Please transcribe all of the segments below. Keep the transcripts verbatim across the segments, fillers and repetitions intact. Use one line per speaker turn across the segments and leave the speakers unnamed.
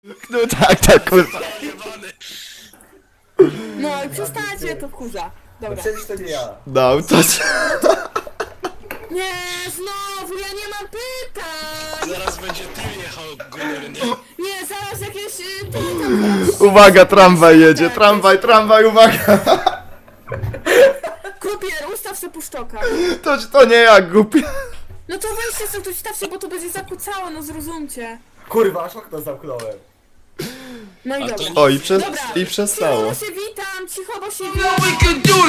No tak, tak, kurwa.
No i przestańcie, to wkurza.
No
Dobra.
przecież to nie ja.
No, to...
Nie, znowu, ja nie mam pytań!
Zaraz będzie ty jechał górny.
Nie, zaraz jakieś... y, Ty tam zaraz...
Uwaga, tramwaj jedzie, tramwaj, tramwaj, uwaga.
Krupier, ustaw se puszczoka.
To, to nie ja, głupie.
No to weźcie sobie tu stawcie, bo to będzie zakłócało, no zrozumcie.
Kurwa, aż okno zamknąłem.
No i
A to
dobra.
nie-
O, i, przez,
Dobra,
i przestało.
Cicho, bo się witam, cicho, bo się witam.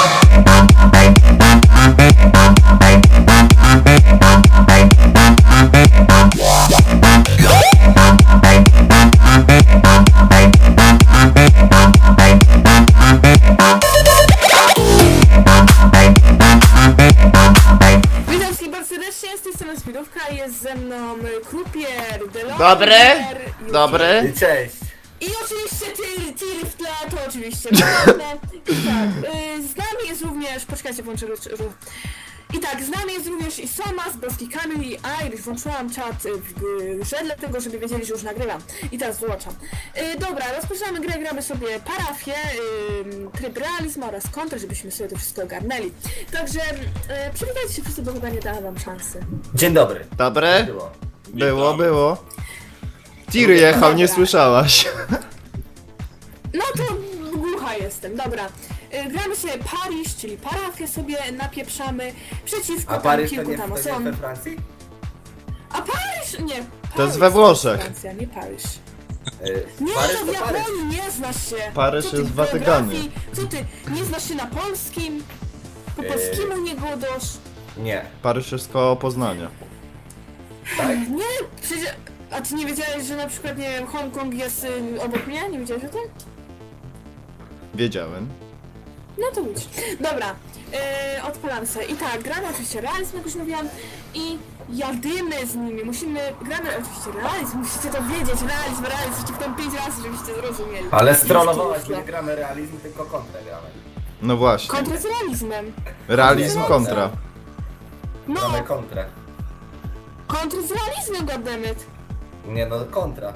Witam wszystkich bardzo serdecznie, z tej strony Speedówka, jest ze mną Krupier, Delon,
Dobry,
Yuki.
dobry.
I cześć.
I oczywiście Tyr, Tyr w tle, to oczywiście prawda. I tak, y, z nami jest również, poczekajcie, włączę ru- ru- I tak, z nami jest również i Somas, Boski Kamil i Irish. Włączyłam czat y, w grze, dlatego żeby wiedzieli, że już nagrywam. I teraz wyłączam. Y, dobra, rozpoczynamy grę, gramy sobie parafię, y, tryb realizmu oraz kontrę, żebyśmy sobie to wszystko ogarnęli. Także y, przywitajcie się wszyscy, bo chyba nie dałam wam szansy.
Dzień dobry.
Dobre?
Było.
Było, było. Tir jechał, nie słyszałaś.
No to głucha jestem, dobra. Y, Gramy sobie Paryż, czyli parafię sobie napieprzamy przeciwko
A
tam
Paryż to
kilku
nie,
tam
to nie
osobom.
we Francji?
A Paryż? Nie. Paryż
To jest we Włoszech.
Francja, nie Paryż.
Yy,
Nie,
Paryż
to w
to Paryż.
Japonii nie znasz się.
Paryż
Co ty,
jest w Watykanie.
geografii? Co ty, nie znasz się na polskim? Po
Yy.
polskiemu nie godasz?
Nie.
Paryż jest koło Poznania.
Tak?
Nie, przecież... A ty nie wiedziałeś, że na przykład, nie wiem, Hongkong jest y, obok mnie? Nie wiedziałeś o tym?
Wiedziałem.
No to idź. Dobra, yy, odpalam sobie. I tak, gramy oczywiście realizm, jak już mówiłam, i jadymy z nimi. Musimy, gramy oczywiście realizm, musicie to wiedzieć, realizm, realizm, ci w tym pięć razy, żebyście zrozumieli.
Ale strollowałaś,
Już
nie gramy realizm, tylko kontrę gramy.
No właśnie.
Kontra z realizmem.
Realizm kontra.
No,
Gramy kontrę.
kontra z realizmem, goddammit.
Nie no, kontra.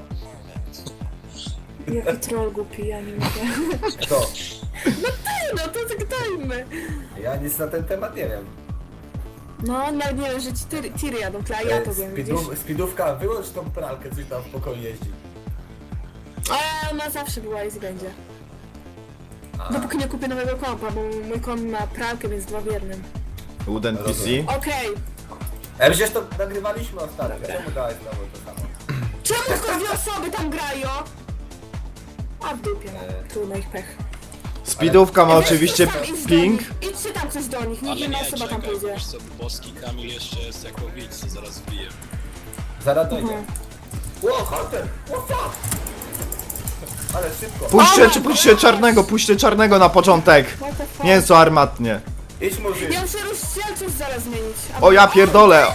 Jaki troll głupi, ja nie mogę.
Kto?
No to zagadajmy.
Ja nic na ten temat nie wiem.
No, nawet nie wiem, że ci tiry, tiry jadą, tla, ja to wiem, widzisz?
Speedu- Speedówka, wyłącz tą pralkę, coś tam w pokoju jeździ.
A ona zawsze była i będzie. Dopóki nie kupię nowego kompa, bo mój komp ma pralkę, więc dwa w jednym.
Uden P C.
Rozumiem.
Okej.
E, przecież to nagrywaliśmy ostatnio, czemu dałeś znowu to samo?
Czemu tylko dwie osoby tam grają? A w dupie, no.
Eee.
Trudno ich pech.
Speedówka ma
Weź
oczywiście
tam idź do
ping.
nich. Idźcie tam coś do nich, niech
Ale
jedna
nie,
osoba tam
czekaj,
pójdzie.
wiesz co, Boski Kamil jeszcze jest jako widz, co zaraz wbije.
Zaraz dojdzie.
Mhm.
Ło, Hunter! Ło, fuck! Ale szybko.
Puśćcie, czy puśćcie czarnego, puśćcie czarnego na początek.
What the fuck?
Mięso armatnie.
Idź Murzyn.
Ja muszę rozdzielczość zaraz zmienić. A-
O ja pierdolę.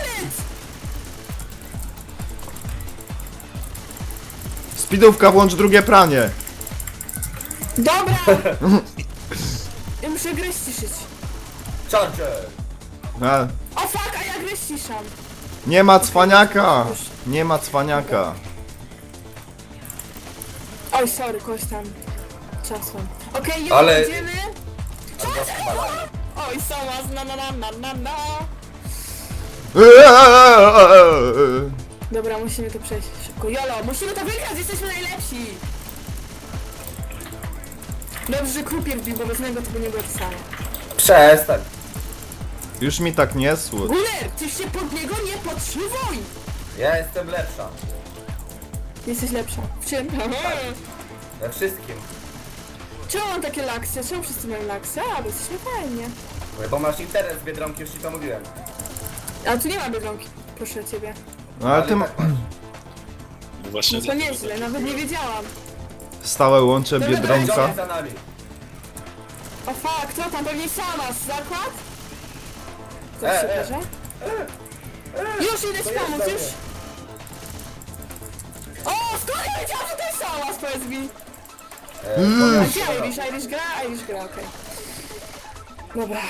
Speedówka, włącz drugie pranie.
Dobra! Ja muszę grę ściszyć.
Charger!
A,
O fuck, a ja grę ściszam.
nie ma cwaniaka. Nie ma cwaniaka.
Oj, sorry, kogoś tam czasem. Okej, już
Ale-
jedziemy.
Albo balanie.
Oj, Somas, na na na na na na. Dobra, musimy to przejść szybko. Jolo, musimy to wygrać, jesteśmy najlepsi! Dobrze, że Krupier wbił, bo bez niego to by nie było to samo.
Przestań.
Już mi tak nie słuch.
Guler, ty się pod niego nie podszywuj!
Ja jestem lepsza.
Jesteś lepsza. W czym?
We wszystkim.
Czemu mam takie laksy? Czemu wszyscy mają laksy? A, bo jesteśmy fajnie.
Bo masz internet z Biedronki, już ci to mówiłem.
A tu nie ma Biedronki, proszę ciebie.
No ale ty ma...
tak masz.
No właśnie
No to nieźle, nawet nie wiedziałam.
Stałe łącze Biedronka.
Johnny za nami.
O fuck, co tam? Pewnie Somas, zakład? Co
E,
się
e.
bierze? Już idę ci
To
pomóc,
jest
już!
dobre.
O, skąd ja wiedziałam, że to jest Somas, powiedz mi?
E,
A
to
gdzie
ja-
Irish? Irish gra? Irish gra, okej. Dobra,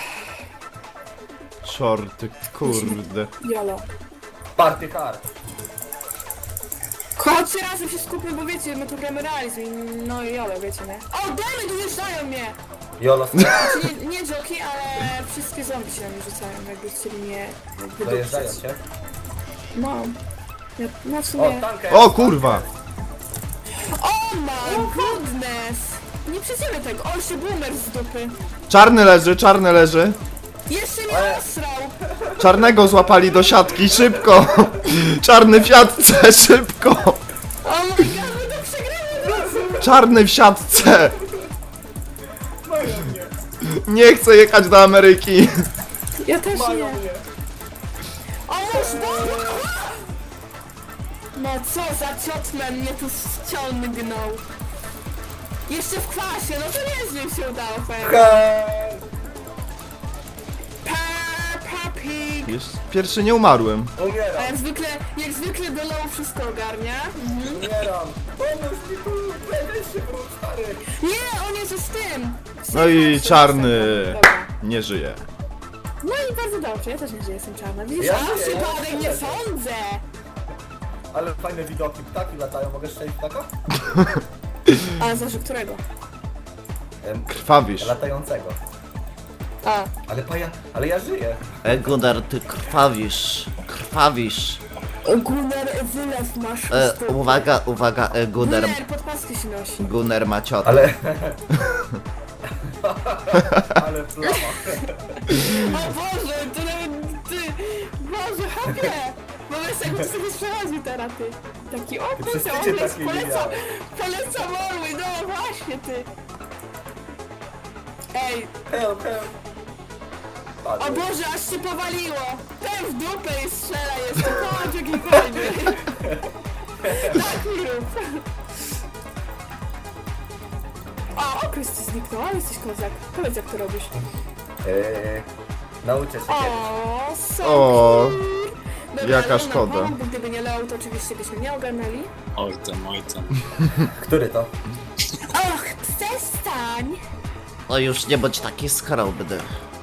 Shorty, kurde.
jolo.
Party hard.
Chodźcie razem się skupmy, bo wiecie, my tu gramy realizm i no i jolo, wiecie, nie? O, demy dojeżdżają mnie!
Jolo,
Znaczy, nie, nie joki, ale wszystkie zombie się na mnie rzucają, jakby chcieli mnie
dojeżdżają
wydupcyć.
cię.
No. Ja, no w
O,
sumie...
tankę!
O kurwa!
Oh my goodness! Nie przejdziemy tego. O, jeszcze boomer z dupy.
Czarny leży, czarny leży.
Jeszcze mnie
Ale-
osrał.
Czarnego złapali do siatki, szybko! Czarny w siatce, szybko!
Oh my god, my to przegramy!
Czarny w siatce! Nie chcę jechać do Ameryki!
Ja też nie.
Mają mnie.
O, już boomer! No co za ciotmen mnie tu ściągnął. Jeszcze w kwasie, no to niezłe się udało, powiem.
Hej!
Peppa Pig.
Już pierwszy nie umarłem.
A
Umieram,
jak zwykle, jak zwykle do low wszystko ogarnia. Mhm.
umieram! Pomóż mi tu! Weź się wróć, stary!
Nie, on jest z tym.
No i czarny
Dobra.
nie żyje.
No i bardzo dobrze, ja też nie, że jestem czarna. Widzisz,
Ja
a
nie, ja
przypadek
nie
nie
wiem.
sądzę.
Ale fajne widoki, ptaki latają, mogę strzelić ptaka?
A zależy którego?
Em,
Krwawisz.
latającego.
A.
Ale paja, ale ja żyję.
Egunar, ty krwawisz, krwawisz.
Gunnar, wylew masz w
E,
stopę.
uwaga, uwaga, e, Gunnar,
Gunnar, podpaski się nosi.
Gunnar ma ciotę.
Ale... ale plama.
O Boże, to nawet ty. Boże, hopie. Wobec jakby sobie przechodził teraz, ty. Taki o kurczę,
przestydzie
on jest
takiej
poleca,
widziałem.
poleca Morły, no właśnie, ty. Ej,
Help, help.
o
Padłem.
Boże, aż się powaliło. Ten w dupę i strzela jeszcze, chodź jakikolwiek. Tak mi rób. O, okres ci zniknął, ale jesteś kozak. Powiedz jak to robisz.
Eee, nauczę się kiedyś.
O, so
O,
cool.
jaka
Leo
szkoda.
nam pomógł, bo gdyby nie Leo, to oczywiście byśmy nie ogarnęli.
Oj tam, oj tam.
Który to?
Och, przestań!
No już nie bądź taki skromny.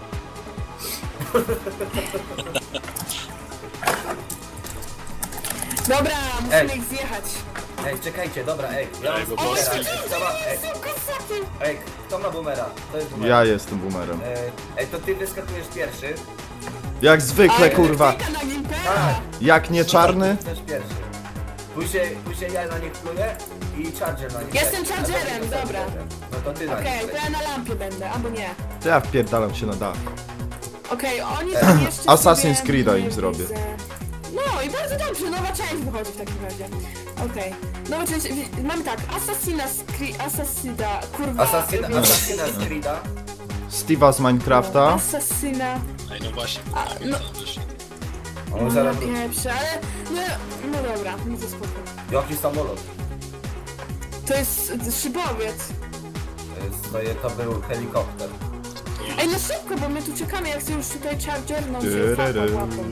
Dobra, musimy
Ej.
ich zjechać.
Ej, czekajcie, dobra, ej. Ja mam
Ej, bo
boomera.
Polski-
Ej, kto ma, ej,
Są kosaki!
ej, kto ma boomera? To jest boomer.
Ja jestem boomerem.
Ej, ej, to ty wyskakujesz pierwszy.
Jak zwykle, kurwa.
Na Gimpera.
Tak.
Jak nie czarny?
Też pierwszy. Później, później ja na nich pluję i charger na nich.
Jestem
leci.
chargerem,
A to ty
dobra.
chargerem. No to ty na
Okej,
nich
to
lecisz.
ja na lampie będę, albo nie.
To ja wpierdalam się na dach.
Okej, oni tam jeszcze
Assassin's
sobie
Creed'a
nie
im zrobię.
widzę. No i bardzo dobrze, nowa część wychodzi w takim razie. Okej, nowa część, wi- mamy tak, Assassin's Creed, Assassina, kurwa.
Assassina,
wiem-
Assassina z Creed'a.
Steve'a z Minecrafta.
Assassina,
Ej, no właśnie,
A, no.
tam wyszedł.
On
no
zaraz...
pieprze, ale, no, no dobra, no to spoko.
Jaki samolot?
To jest szybowiec.
E, Swoje to był helikopter.
Ej, no szybko, bo my tu czekamy, jak chcę już tutaj charger, no się
Tyryry.
fapa łapą.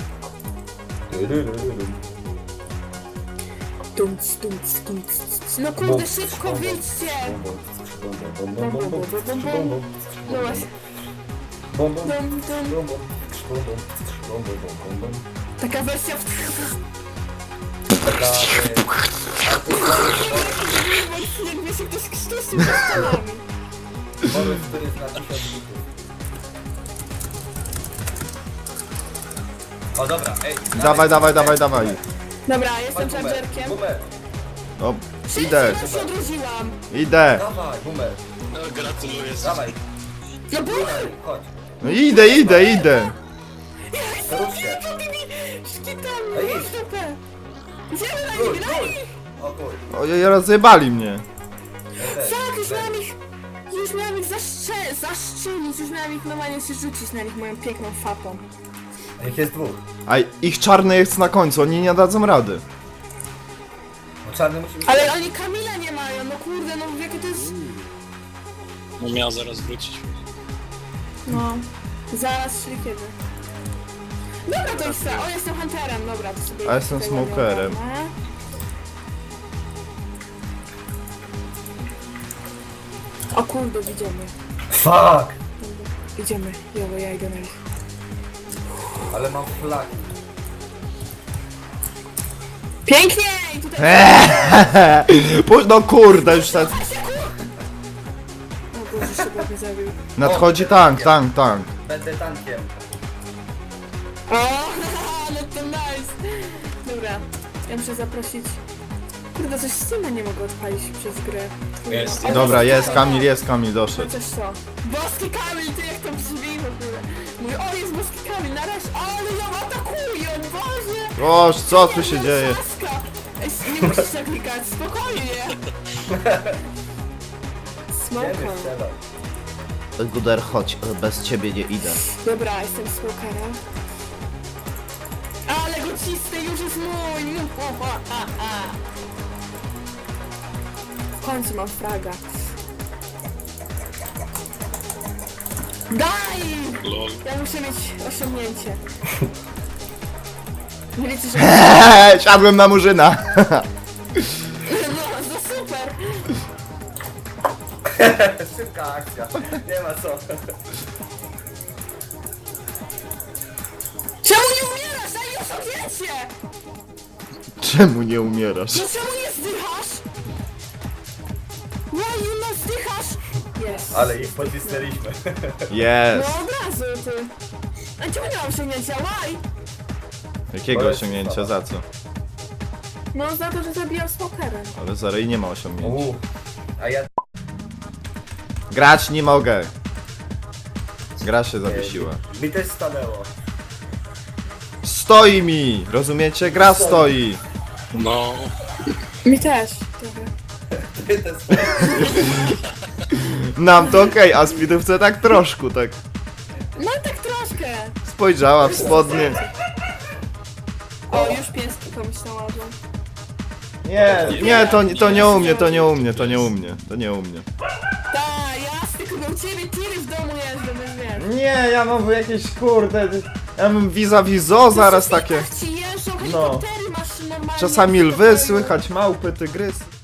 Dumc, dumc, dumc, dumc. No kurde, szybko wyjdźcie! Bum, bum, bum, bum, bum, bum. No właśnie.
Bum, bum,
Dum, dum.
bum, bum, bum, bum, bum, bum, bum, bum.
Taka wersja w...
Taka,
Jakby się ktoś krztusił ze ścianami.
e, Moment, który jest na tysiąc bitów. O dobra, ej.
Dawaj, dawaj, dawaj, dawaj.
Dobra, jestem
Chodź, boomer,
chargerkiem.
boomer.
No, idę,
Szybko się odrodziłam.
idę.
Dawaj, boomer.
No gratuluję.
Dawaj,
No bo...
boomer, chodź.
No idę, idę, idę.
Rób się.
Szkitam,
Ej,
no
idź.
stopę. Idziemy na
Król,
nich, na
król.
nich!
O kur.
Ojej, rozjebali mnie.
Ja też,
Tak, już
też.
miałam ich... Już miałam ich zaszcze... zaszczelić, już miałam ich normalnie się rzucić na nich moją piękną fapą.
Ich jest dwóch.
A ich czarny jest na końcu, oni nie dadzą rady.
Bo czarny musi być...
Ale oni Kamila nie mają, no kurde, no jakie to jest...
No miał zaraz wrócić.
No, zaraz, czyli kiedy? Dobra, to już chcę. O, jestem Hunterem, dobra, to sobie...
A jestem
tego nie
Smokerem.
ogarnę. O kurde, idziemy.
Fuck!
Idziemy, jowo, ja idę na nich.
Ale mam flagi.
Pięknie! Ej, tutaj...
Eee, Puść, no kurde, już tak.
O Boże, szybko mnie zabił.
Nadchodzi tank, tank, tank.
Będę tankiem.
O, ale to nice. Dobra, ja muszę zaprosić... Kurde, coś z Steama nie mogę odpalić przez grę.
Jest,
O,
Dobra,
boski
jest Kamil, jest Kamil, doszedł.
Chociaż co? Boski Kamil, ty jak to brzmi w ogóle. Mówię, o jest boski Kamil, nareszcie, ale ją atakuje, Boże!
Oż, co tu się dzieje?
Laska. Ej, nie musisz tak klikać, spokojnie.
Nie wiem,
Smoka.
strzelał.
Guder, chodź, bez ciebie nie idę.
Dobra, jestem smokera. Ale go cisnę, już jest mój! Mu- o, a, a, a. W końcu mam fraga. Daj!
Lol.
Ja muszę mieć osiągnięcie. Nie wiecie, że...
Eee, siadłem na murzyna.
No, no super!
Szybka akcja. Nie ma co.
Czemu nie umierasz? Daj mi osiągnięcie!
Czemu nie umierasz?
No czemu nie zdychasz? Why you not zdychasz? Jest.
Ale ich pocisnęliśmy.
No
Jest.
od razu ty. A czemu nie mam osiągnięcia? Why?
Jakiego osiągnięcia, za co?
No za to, że zabijam smokerem.
Ale Zarei nie ma osiągnięcia.
Uuu. A ja...
Grać nie mogę. Gra się zawiesiła.
Mi też stanęło.
Stoi mi! Rozumiecie? Gra stoi.
No,
Mi też. Dobra.
Ty też
Nam to okej, a speedówce tak troszkę, tak.
No tak troszkę.
Spojrzała w spodnie.
O, już pieski komuś znalazłam.
Nie, nie, to, to nie u mnie, to nie u mnie, to nie u mnie, to nie u mnie.
Ta, jasne, kurde, u ciebie tiry w domu jeżdżą, więc wiesz.
Nie, ja mam jakieś kurde. Ja mam vis-a-vis zoo zaraz takie.
Tak ci jeżdżą, helikoptery masz normalnie.
Czasami
w
lwy
pokoju.
słychać, małpy, tygrysy.